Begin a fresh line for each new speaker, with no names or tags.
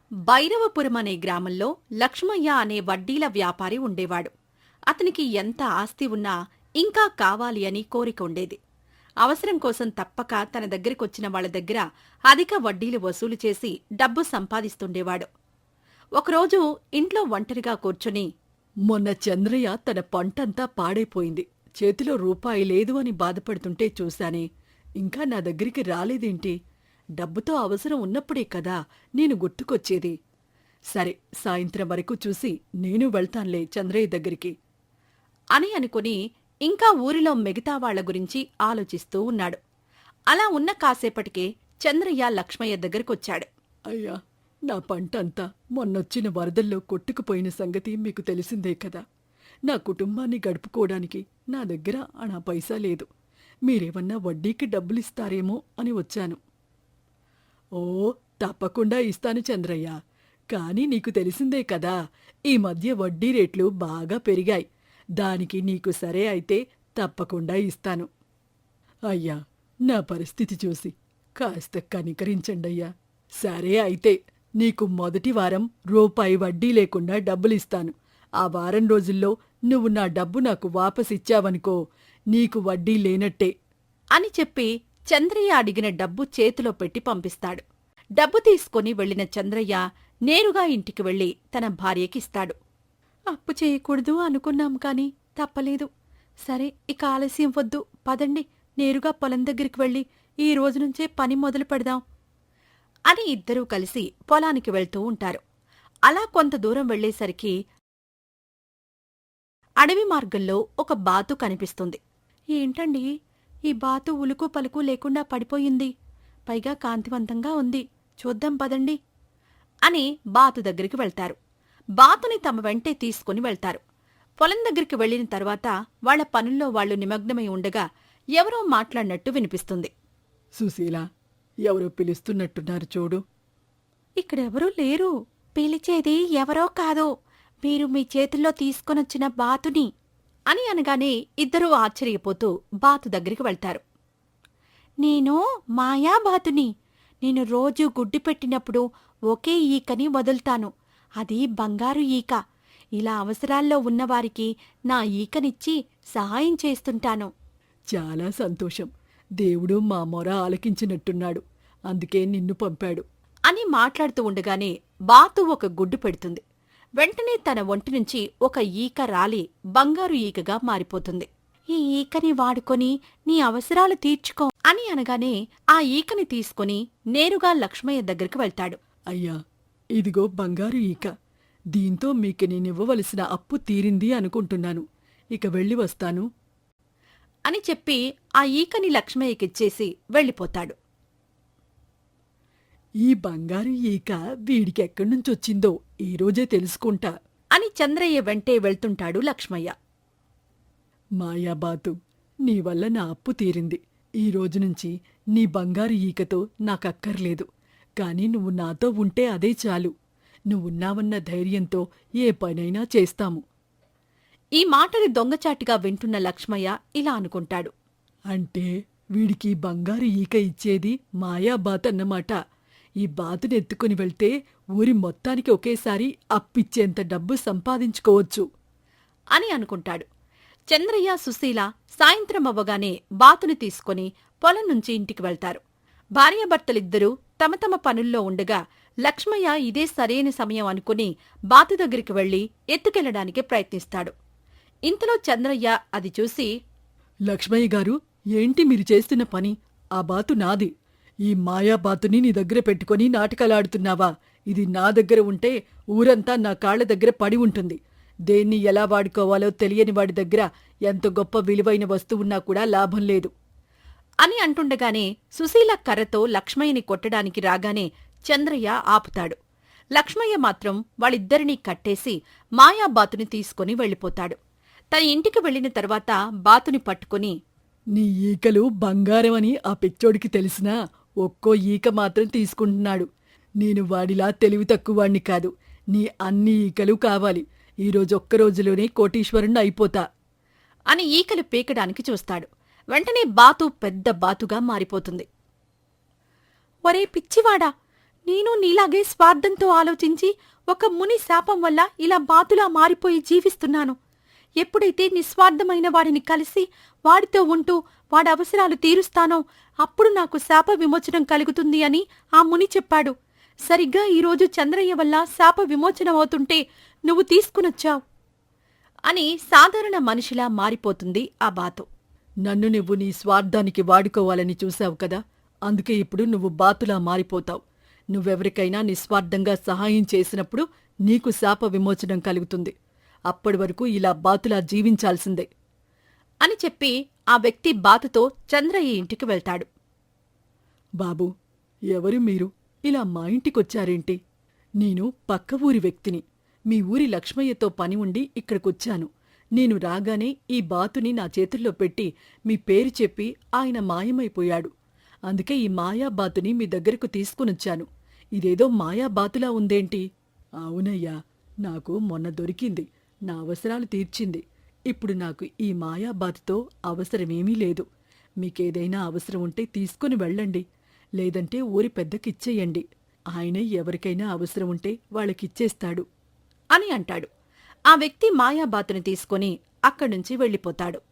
భైరవపురం అనే గ్రామంలో లక్ష్మయ్య అనే వడ్డీల వ్యాపారి ఉండేవాడు. అతనికి ఎంత ఆస్తి ఉన్నా ఇంకా కావాలి అని కోరిక ఉండేది. అవసరం కోసం తప్పక తన దగ్గరికొచ్చిన వాళ్ల దగ్గర అధిక వడ్డీలు వసూలు చేసి డబ్బు సంపాదిస్తుండేవాడు. ఒకరోజు ఇంట్లో ఒంటరిగా కూర్చుని,
మొన్న చంద్రయ్య తన పంటంతా పాడైపోయింది, చేతిలో రూపాయి లేదు అని బాధపడుతుంటే చూశానే, ఇంకా నా దగ్గరికి రాలేదేంటి? డబ్బుతో అవసరం ఉన్నప్పుడే కదా నేను గుర్తుకొచ్చేది. సరే, సాయంత్రం వరకు చూసి నేను వెళ్తాన్లే చంద్రయ్య దగ్గరికి
అని అనుకుని ఇంకా ఊరిలో మిగతా వాళ్ల గురించి ఆలోచిస్తూ ఉన్నాడు. అలా ఉన్న కాసేపటికే చంద్రయ్య లక్ష్మయ్య దగ్గరకొచ్చాడు.
అయ్యా, నా పంటంతా మొన్నొచ్చిన వరదల్లో కొట్టుకుపోయిన సంగతి మీకు తెలిసిందే కదా. నా కుటుంబాన్ని గడుపుకోవడానికి నా దగ్గర అనా పైసా లేదు. మీరేమన్నా వడ్డీకి డబ్బులిస్తారేమో అని వచ్చాను. ఓ, తప్పకుండా ఇస్తాను చంద్రయ్య. కాని నీకు తెలిసిందే కదా, ఈ మధ్య వడ్డీ రేట్లు బాగా పెరిగాయి. దానికి నీకు సరే అయితే తప్పకుండా ఇస్తాను. అయ్యా, నా పరిస్థితి చూసి కాస్త కనికరించండయ్యా. సరే అయితే నీకు మొదటి వారం రూపాయి వడ్డీ లేకుండా డబ్బులిస్తాను. ఆ వారం రోజుల్లో నువ్వు నా డబ్బు నాకు వాపసిచ్చావనుకో, నీకు వడ్డీ లేనట్టే
అని చెప్పి చంద్రయ్య అడిగిన డబ్బు చేతిలో పెట్టి పంపిస్తాడు. డబ్బు తీసుకుని వెళ్లిన చంద్రయ్య నేరుగా ఇంటికి వెళ్లి తన భార్యకిస్తాడు. అప్పు చేయకూడదు అనుకున్నాం కాని తప్పలేదు. సరే, ఇక ఆలస్యం వద్దు, పదండి, నేరుగా పొలం దగ్గరికి వెళ్లి ఈ రోజునుంచే పని మొదలు పెడదాం అని ఇద్దరూ కలిసి పొలానికి వెళ్తూ ఉంటారు. అలా కొంత దూరం వెళ్లేసరికి అడవి మార్గంలో ఒక బాతు కనిపిస్తుంది. ఏంటండి, ఈ బాతు ఉలుకు పలుకు లేకుండా పడిపోయింది, పైగా కాంతివంతంగా ఉంది, చూద్దాం పదండి అని బాతు దగ్గరికి వెళ్తారు. బాతుని తమ వెంటే తీసుకుని వెళ్తారు. పొలం దగ్గరికి వెళ్లిన తర్వాత వాళ్ల పనుల్లో వాళ్లు నిమగ్నమై ఉండగా ఎవరో మాట్లాడినట్టు వినిపిస్తుంది.
సుశీల, ఎవరో పిలుస్తున్నట్టున్నారు చూడు.
ఇక్కడెవరూ లేరు. పిలిచేది ఎవరో కాదు, మీరు మీ చేతుల్లో తీసుకొనొచ్చిన బాతుని అని అనగానే ఇద్దరూ ఆశ్చర్యపోతూ బాతు దగ్గరికి వెళ్తారు. నేను మాయాబాతుని. నేను రోజూ గుడ్డు పెట్టినప్పుడు ఒకే ఈకని వదులుతాను. అది బంగారు ఈక. ఇలా అవసరాల్లో ఉన్నవారికి నా ఈకనిచ్చి సహాయం చేస్తుంటాను.
చాలా సంతోషం. దేవుడు మా మొర ఆలకించినట్టున్నాడు, అందుకే నిన్ను పంపాడు
అని మాట్లాడుతూ ఉండగానే బాతు ఒక గుడ్డు పెడుతుంది. వెంటనే తన ఒంటి నుంచి ఒక ఈక రాలి బంగారు ఈకగా మారిపోతుంది. ఈ ఈకని వాడుకొని నీ అవసరాలు తీర్చుకో అని అనగానే ఆ ఈకని తీసుకుని నేరుగా లక్ష్మయ్య దగ్గరికి వెళ్తాడు.
అయ్యా, ఇదిగో బంగారు ఈక. దీంతో మీకు నేనివ్వవలసిన అప్పు తీరింది అనుకుంటున్నాను. ఇక వెళ్ళి వస్తాను
అని చెప్పి ఆ ఈకని లక్ష్మయ్యకిచ్చేసి వెళ్ళిపోతాడు.
ఈ బంగారు ఈక వీడికెక్కడ్నుంచొచ్చిందో ఈరోజే తెలుసుకుంటా
అని చంద్రయ్య వెంటే వెళ్తుంటాడు లక్ష్మయ్య.
మాయాబాతు, నీ వల్ల నా అప్పు తీరింది. ఈ రోజునుంచి నీ బంగారు ఈకతో నాకక్కర్లేదు. కాని నువ్వు నాతో ఉంటే అదే చాలు. నువ్వున్నావన్న ధైర్యంతో ఏ పనైనా చేస్తాము.
ఈ మాటని దొంగచాటిగా వింటున్న లక్ష్మయ్య ఇలా అనుకుంటాడు.
అంటే వీడికి బంగారు ఈక ఇచ్చేది మాయాబాతన్నమాట. ఈ బాతునెత్తుకుని వెళ్తే ఊరి మొత్తానికి ఒకేసారి అప్పిచ్చేంత డబ్బు సంపాదించుకోవచ్చు
అని అనుకుంటాడు. చంద్రయ్య, సుశీల సాయంత్రం అవ్వగానే బాతుని తీసుకుని పొలం నుంచి ఇంటికి వెళ్తారు. భార్యాభర్తలిద్దరూ తమ తమ పనుల్లో ఉండగా లక్ష్మయ్య ఇదే సరైన సమయం అనుకుని బాతు దగ్గరికి వెళ్లి ఎత్తుకెళ్లడానికి ప్రయత్నిస్తాడు. ఇంతలో చంద్రయ్య అది చూసి,
లక్ష్మయ్య గారు, ఏంటి మీరు చేస్తున్న పని? ఆ బాతు నాది. ఈ మాయాబాతుని నీ దగ్గర పెట్టుకుని నాటకాలాడుతున్నావా? ఇది నా దగ్గర ఉంటే ఊరంతా నా కాళ్ల దగ్గర పడి ఉంటుంది. దేన్ని ఎలా వాడుకోవాలో తెలియని వాడి దగ్గర ఎంత గొప్ప విలువైన వస్తువున్నా కూడా లాభం లేదు
అని అంటుండగానే సుశీల కర్రతో లక్ష్మయ్యని కొట్టడానికి రాగానే చంద్రయ్య ఆపుతాడు. లక్ష్మయ్య మాత్రం వాళ్ళిద్దరినీ కట్టేసి మాయాబాతుని తీసుకుని వెళ్ళిపోతాడు. తన ఇంటికి వెళ్లిన తర్వాత బాతుని పట్టుకుని,
నీ ఈకలు బంగారమని ఆ పిచ్చోడికి తెలిసినా ఒక్కో ఈక మాత్రం తీసుకుంటున్నాడు. నేను వాడిలా తెలివి తక్కువవాణ్ణి కాదు. నీ అన్ని ఈకలు కావాలి. ఈరోజు ఒక్కరోజులోనే కోటీశ్వరుణ్ణి అయిపోతా
అని ఈకలు పీకడానికి చూస్తాడు. వెంటనే బాతు పెద్ద బాతుగా మారిపోతుంది. ఒరే పిచ్చివాడా, నేను నీలాగే స్వార్థంతో ఆలోచించి ఒక ముని శాపం వల్ల ఇలా బాతులా మారిపోయి జీవిస్తున్నాను. ఎప్పుడైతే నిస్వార్థమైన వాడిని కలిసి వాడితో ఉంటూ వాడి అవసరాలు తీరుస్తానో అప్పుడు నాకు శాప విమోచనం కలుగుతుంది అని ఆ ముని చెప్పాడు. సరిగ్గా ఈరోజు చంద్రయ్య వల్ల శాప విమోచనమవుతుంటే నువ్వు తీసుకునొచ్చావు అని సాధారణ మనిషిలా మారిపోతుంది ఆ బాతు.
నన్ను నువ్వు నీ స్వార్థానికి వాడుకోవాలని చూశావు కదా, అందుకే ఇప్పుడు నువ్వు బాతులా మారిపోతావు. నువ్వెవరికైనా నిస్వార్థంగా సహాయం చేసినప్పుడు నీకు శాప విమోచనం కలుగుతుంది. అప్పటి వరకు ఇలా బాతులా జీవించాల్సిందే
అని చెప్పి ఆ వ్యక్తి బాతుతో చంద్రయ్య ఇంటికి వెళ్తాడు.
బాబూ, ఎవరు మీరు? ఇలా మా ఇంటికొచ్చారేంటి? నేను పక్క ఊరి వ్యక్తిని. మీ ఊరి లక్ష్మయ్యతో పని ఉండి ఇక్కడికొచ్చాను. నేను రాగానే ఈ బాతుని నా చేతుల్లో పెట్టి మీ పేరు చెప్పి ఆయన మాయమైపోయాడు. అందుకే ఈ మాయాబాతుని మీ దగ్గరకు తీసుకునొచ్చాను. ఇదేదో మాయాబాతులా ఉందేంటి? అవునయ్యా, నాకు మొన్న దొరికింది. నా అవసరాలు తీర్చింది. ఇప్పుడు నాకు ఈ మాయాబాతుతో అవసరమేమీ లేదు. మీకేదైనా అవసరం ఉంటే తీసుకుని వెళ్ళండి. లేదంటే ఊరి పెద్దకిచ్చేయండి. ఆయనే ఎవరికైనా అవసరం ఉంటే వాళ్ళకిచ్చేస్తాడు
అని అంటాడు. ఆ వ్యక్తి మాయాబాతుని తీసుకుని అక్కడ్నుంచి వెళ్ళిపోతాడు.